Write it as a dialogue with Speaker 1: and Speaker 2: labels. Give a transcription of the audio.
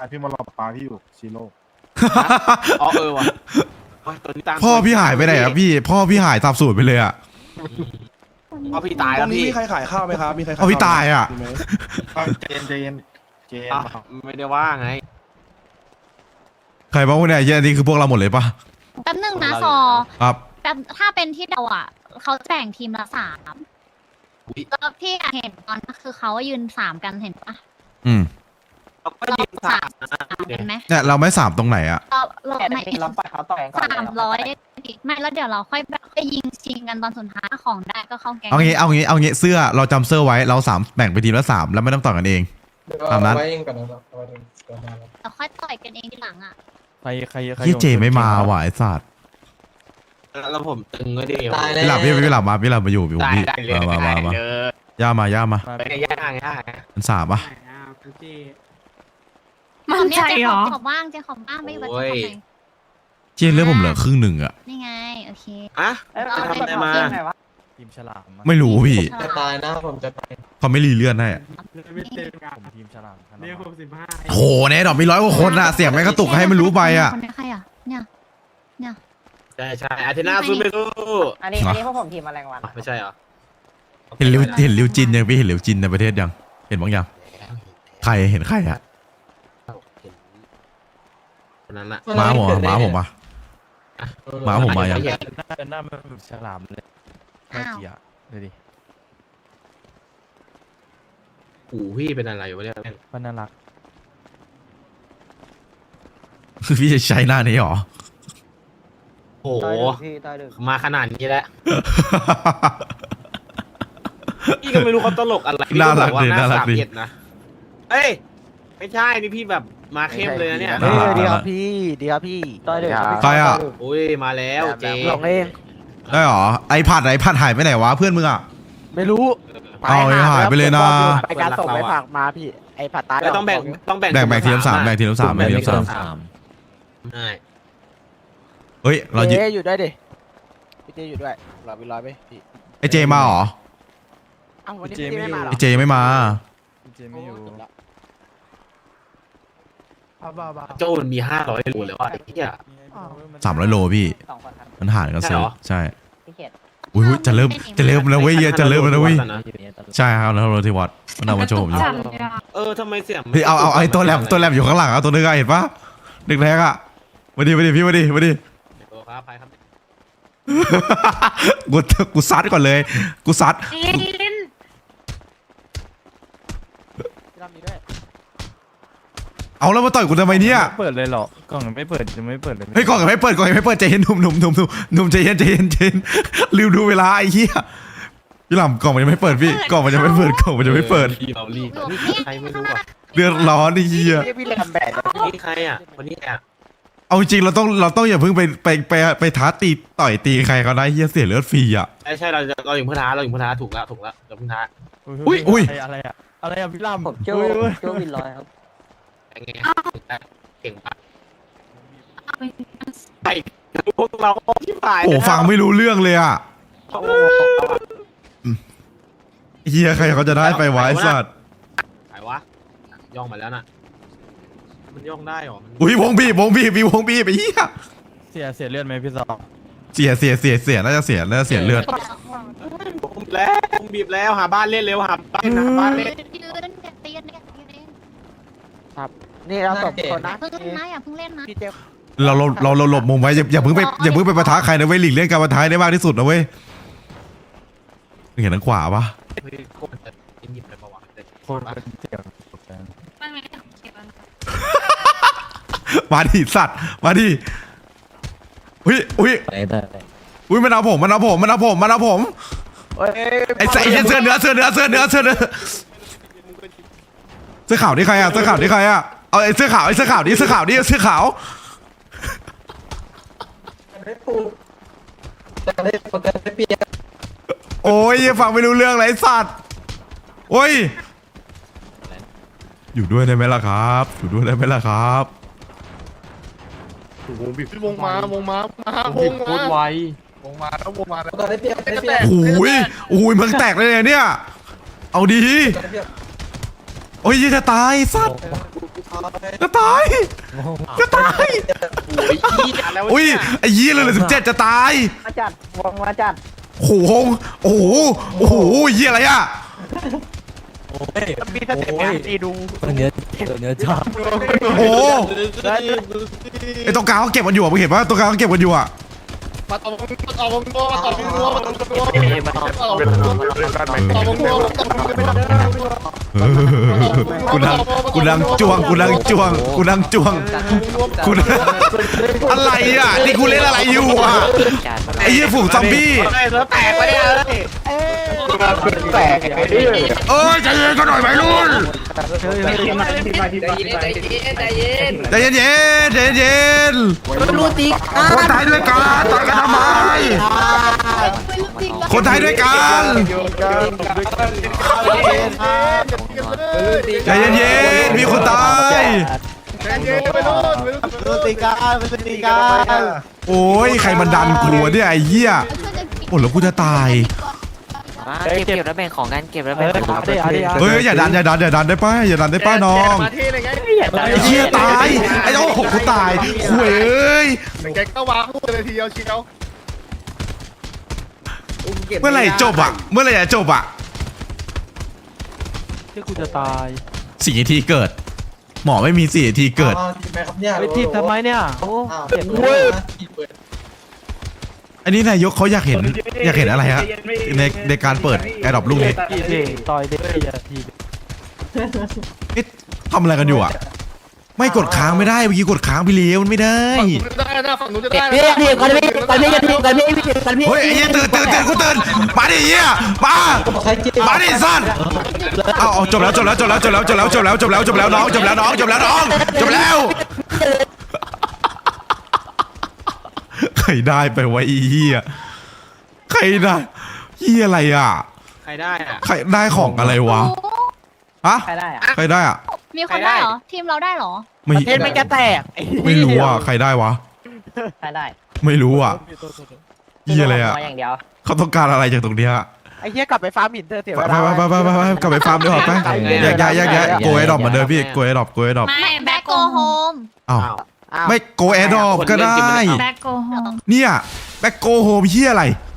Speaker 1: พี่มาหลอกปลาพี่อยู่ซีโร่
Speaker 2: อ๋อว่ะตัวนี้ตั้ง
Speaker 3: พ่อพี่หายไปไหนครับพี่พ่อพี่หายสับสูญไปเลยอ่ะ
Speaker 2: พ่อพี่ตาย
Speaker 1: ตร
Speaker 2: แล้ว
Speaker 1: งนี้
Speaker 2: พี่
Speaker 1: มีใครขายข้าวไหมครับมีใคร
Speaker 3: เอาพี่ตายอะ
Speaker 1: มีไหมเจนเจน
Speaker 2: อ่ะไม่ได้ว่าไง
Speaker 3: ใครบ้างวะเนี่ยเหี้ยอันนี้คือพวกเราหมดเลยปะ
Speaker 4: แป๊บนึงนะซอ
Speaker 3: ครับ
Speaker 4: แป๊บถ้าเป็นที่เราอ่ะเขาแบ่งทีมละ3แล้วพี่เห็นตอนก็คือเขายืน3กันเห็นปะ
Speaker 3: อืม
Speaker 2: เราก็ยืนสาม
Speaker 4: เห็นไหม
Speaker 3: เนี่ยเราไม่สามตรงไหนอ่ะ
Speaker 4: เราไม่
Speaker 5: เราไปเขาต่อยก่อน
Speaker 4: 300ไม่แล้วเดี๋ยวเราค่อยแบบค่อยยิงชิงกันตอนสุดท้ายของได้ก็เข้าแก๊ง
Speaker 3: เอางี้เสื้อเราจำเสื้อไว้เรา3แบ่งไปทีมละ3แล้วไม่ต้องต่อกันเอง ตามนั้น
Speaker 5: ไว้เองก่อนนะครับเอาไว้เองก่อนนะครับ
Speaker 4: เราค่อยต่อยกันเองทีหลังอ่ะ
Speaker 1: ใคร
Speaker 3: พี่เจไม่มาว่ะไอ้สัตว์
Speaker 2: แล้วผมตึงก็ดี
Speaker 5: ตายแล้
Speaker 3: พี่หลับมาอยู่พี่
Speaker 2: ได้เลย
Speaker 3: มา
Speaker 2: ได้เลย
Speaker 3: ย่ามา
Speaker 2: เป็นย่างย่าง
Speaker 3: มัน3ปะ
Speaker 4: มันใจเหรอขอบว่างเจ๊ขอบว่างไม่วัดจะทำไม
Speaker 3: เจียเลือดผมเหลือครึ่งหนึ่งอ่ะ
Speaker 4: นี่ไงโอเค
Speaker 2: อ่ะ
Speaker 5: เอ้ย
Speaker 2: จะทำอะไรมา
Speaker 1: ทีมฉลาม
Speaker 3: ไม่รู้พี่
Speaker 5: จะตายนะผมจะตาย
Speaker 3: เขาไม่รีเลื่อนให้อะ
Speaker 1: ผมทีมฉลาม
Speaker 6: เนี่ย65
Speaker 3: โหในดอกมี100กว่าคนอ่ะเสียงแม่งกระตุกให้มันรู้ไปอ่ะ
Speaker 4: คนนี้ใครอ่ะเนี่ย
Speaker 2: ใช่อาเทน่าสู้ไม่สู้
Speaker 5: อันนี้พวกผมทีมแมลงวัน
Speaker 2: ไม่ใช่เหรอ
Speaker 3: เห็นริวจินยังพี่เห็นริวจินในประเทศยังเห็นบ้างยังใครเห็นใครอ่ะ
Speaker 2: คนนั้นอะ
Speaker 3: ม้าผมมาม้าผมมายัง
Speaker 1: หน้ามันแบบฉลามเลยน่าเกลียดเลยดิ
Speaker 2: หูพี่เป็นอะไรอยู่วะเนี่ย
Speaker 1: มันน่ารัก
Speaker 3: คือพี่จะใช้หน้านี้หรอ
Speaker 2: โอ้โห
Speaker 5: พี่ตายดึก
Speaker 2: มาขนาดนี้แล้วพี่ก็ไม่รู้เขาตลกอะไรพี่ก็บอกว่าหน้า31นะเอ้ยไม่ใช่นี่พี่แบบมาเข้มเลยนะเนี่ย
Speaker 3: ดีครับ
Speaker 5: ดีครับพี่ตายดึก
Speaker 3: ใครอ่ะ
Speaker 2: อุ้ยมาแล้วเจ
Speaker 5: หลงเอง
Speaker 3: ได้หรอไอผัดหายไปไหนวะเพื่อนมึงอ่ะ
Speaker 5: ไม่รู้
Speaker 3: เอาหายไปเลยนะ
Speaker 5: ไปการส่งไปฝากมาพี่ไอ้ผัดตาย
Speaker 2: แล้วต้องแบ่ง
Speaker 3: แบ่งทีมละ3แบ่งทีมละ3แบ่งทีมละ3
Speaker 2: ใช่
Speaker 3: เฮ้ยเรา
Speaker 5: เจ
Speaker 3: ยิ
Speaker 5: อยู่ด้วยดิพี่เจอยู่ด้วยรอไปร้อยไปพี่
Speaker 3: ไอเจมาหรอ
Speaker 5: อ้าววันนี้พี่เจไม่มาหรอ
Speaker 3: ไอเจยังไม่มา
Speaker 1: เจไม่อยู่
Speaker 2: โจ้มันมี500โลเลยว่ะไอ้เหี้ย
Speaker 3: 300 โลพี่
Speaker 5: 2 คนครับ
Speaker 3: มันหารกันซื้อใช่
Speaker 5: พี่เขต
Speaker 3: อุ้ยจะเริ่มแล้วเว้ยจะเริ่มแล้วเว้ยใช่ครับแล้วเราที่วัดมันเอามาโชว์ผมอยู่
Speaker 2: ทำไมเสียง
Speaker 3: เฮ้ยเอาไอ้ตัวแลบอยู่ข้างหลังเอาตัวนึงอะเห็นปะนึกแรกอะมาดิพี่มาดิ
Speaker 2: ตัวครับใครครับ
Speaker 3: กูซัดก่อนเลยกูซัด
Speaker 5: พี่รอบนี้ด้วย
Speaker 3: เอาแล้วมาต่อยกูทำไมเนี่ย
Speaker 1: เปิดเลยหรอกล่องยังไม่เปิดยังไม่เปิดเลย
Speaker 3: เฮ้ยก่อนยังไม่เปิดใจเย็นหนุ่มใจเย็นลืมดูเวลาไอ้เหี้ยพี่หล่ำกล่องมันยังไม่เปิดพี่กล่องมันยังไม่เปิด
Speaker 2: เรารีบใครไม่รู้อ่ะ
Speaker 3: เดือดร้อนไอ้เหี้ย
Speaker 5: พี่เลยทำแบบ
Speaker 2: นี่ใครอ่ะคนนี้อ่ะ
Speaker 3: เอาจริงเราต้องอย่าเพิ่งไปท้าตีต่อยตีใครเขาได้เหี้ยเสียเลือดฟรีอ่ะ
Speaker 2: ใช่เราอยู่พื้นท้าถูกแล้วเราพื้นท้า
Speaker 3: อุ้ย
Speaker 1: อะไรอะพี่ลำ
Speaker 5: ผมโจ้วินร้อยครับ
Speaker 2: ไงเก่งปะไอ้พวกเราที่ผ่าน
Speaker 3: โอ้ฟังไม่รู้เรื่องเลยอ่ะเหี้ยใครเขาจะได้ไปไว้สัตว์
Speaker 2: ใครวะย่องมาแล้วน่ะมันย่องได้หรอ
Speaker 3: อุ้ยวงบีบไปเหี้ย
Speaker 1: เสียเลือดไหมพี่ซอ
Speaker 3: เสียน่าจะเสียเลือด
Speaker 2: บีบแล้วหาบ้านเล่นเร็วหาบ้านเล่น
Speaker 4: ยืนตีนเนี่ย
Speaker 5: นี่เราตบคนนะ
Speaker 4: เพิ่งนะอย่าเพิ่งเล่นนะ
Speaker 5: พี่เจ
Speaker 3: เราหลบมุมไว้อย่าเพิ่งไปปะทะใครนะเว้ยหลีกเลี่ยงการปะทะได้มากที่สุดนะเว้ยเห็นทางขวาปะ
Speaker 2: หยิบไปประวัติ
Speaker 1: คนเป็นเสียง
Speaker 3: มาดิสัตว์มาดิอุ้ยมันเอาผมไอ้เสื้อเนื้อเสื้อขาวนี่ใครอ่ะเอาไอ้เสื้อขาวนี่เสื้อขาว
Speaker 5: ได้ปูได้ประกันได้เปียก
Speaker 3: โอ้ยฟังไม่รู้เรื่องเลยไอ้สัตว์โอ้ยอยู่ด้วยได้ไหมล่ะครับ
Speaker 1: วงมาแล้ววงมาแล้ว
Speaker 5: ประกันได้เปียกได้เปียก
Speaker 3: โอ้ยเมืองแตกเลยเนี่ยเอาดีโอ้ยจะตายสัตว์จะตายจะตาย
Speaker 2: โอ้ยอีอะไรวะ
Speaker 3: อุ้ย
Speaker 2: เนี่ย
Speaker 3: ไอ้ยี่เลย17จะตาย
Speaker 5: มาจัดวงมาจัด
Speaker 3: โอ้โหโอ้โหโอ้โหยี่อะไรอ่ะ
Speaker 5: มีสเต็ปตีดู
Speaker 1: ตัวเนื้อชอบ
Speaker 3: โอ้โหไอ้ตรงกลางเขาเก็บกันอยู่อ่ะมึงเห็นปะตรงกลางเขาเก็บกันอยู่อ่ะ
Speaker 2: มาต่อมึงต่อมึงมาต่อมึงมาต่อมึงมาต่อมึง
Speaker 3: กูนั่งจ้วงกูนั่งจ้วงกูนั่งจ้วงกูอะไรอ่ะนี่กูเล่นอะไรอยู่อ่ะไอ้ยี่ฝูงซอมบี้
Speaker 2: เฮ้ยแล้วแตกไปเนี่ยเอ้ย
Speaker 5: แตกไอ้นี่
Speaker 3: เอ้ยใจเย็นกันหน่อยไหมรุ่นใจเย็นใจเย็นคนไทยด้วยกันต่อยกันทำไมคนไทยด้วยกันใจเย็นมีคนตายโอ้ยใครมันดันกูเนี่ยไอ้เหี้ยโอ้แล้วกูจะตาย
Speaker 6: เก็บแล้วแบ่งของกันเก็บแล้วแบ่งของ
Speaker 3: เฮ้ยอย่าดันได้ป้าอย่าดันได้ป้าน้อง
Speaker 2: มาที่อะไรไง
Speaker 3: ไอ้เหี้ยตายไอ้โอ้โหกูตายคุยเอ้ย
Speaker 2: แกก็วางพูดเลยทีเดียวเชียว
Speaker 3: เมื่อไหร่จบอ่ะเมื่อไหร่จะจบอ่ะ
Speaker 1: ที่กูจะตาย
Speaker 3: 4 นาทีเกิด หมอไม่มี4 นาทีเกิด
Speaker 5: ทีมไหมครับเนี่ย
Speaker 1: ไปทีมทำไมเนี่ยโอ้
Speaker 5: เจ็บเว้ย
Speaker 3: อันนี้นายกเขาอยากเห็นอะไรฮะในการเปิดแอร์ดรอปลูกนี้
Speaker 1: ทีเด็ต่อยเด็กอย่าที
Speaker 3: เอ๊ะทำอะไรกันอยู่อ่ะ ไม่กดค้างไม่ได้เมื่อกี้กดค้างไปเลี้ยวมันไม่ได้
Speaker 2: ได้นะฝั่งนู้นจะได้
Speaker 5: พี่กันพี่กันพี่กันพี่กันพี่
Speaker 3: เฮ้ยไอ้เหี้ยตื่นกูตื่นมาดิเหี้ยมาดิสัตว์เอาจบแล้วน้องจบแล้วใครได้ไปวะไอ้เหี้ยใครได้เหี้ยอะไรอ่ะ
Speaker 2: ใครได้อะ
Speaker 3: ใครได้ของอะไรวะฮะ
Speaker 5: ใครได้อะ
Speaker 3: ใครได้อ่ะ
Speaker 4: มีคนได้เหรอ ทีมเราได้เหรอ
Speaker 5: ประเทศมันจะแตก
Speaker 3: ไม่รู้อ่ะใครได้วะ
Speaker 5: ใครได้
Speaker 3: ไม่รู้อ่ะเหี้ยอะไรอ่ะ
Speaker 5: อย่างเดียว
Speaker 3: เขาต้องการอะไรจากตรงเนี้ย
Speaker 5: ไอ้เหี้ยกลับไปฟาร์มหินเธอเสีย
Speaker 3: ไปกลับไปฟาร์มดีกว่าไปแยกโกไอดอปมาเดินพี่โกไอดอป
Speaker 4: ไม่แบ็กโกโฮม
Speaker 3: อ้าวไม่โกไอดอปก็ได้
Speaker 4: แบ็กโกโฮม
Speaker 3: เนี่ยแบ็คโกโฮมเฮียอะไร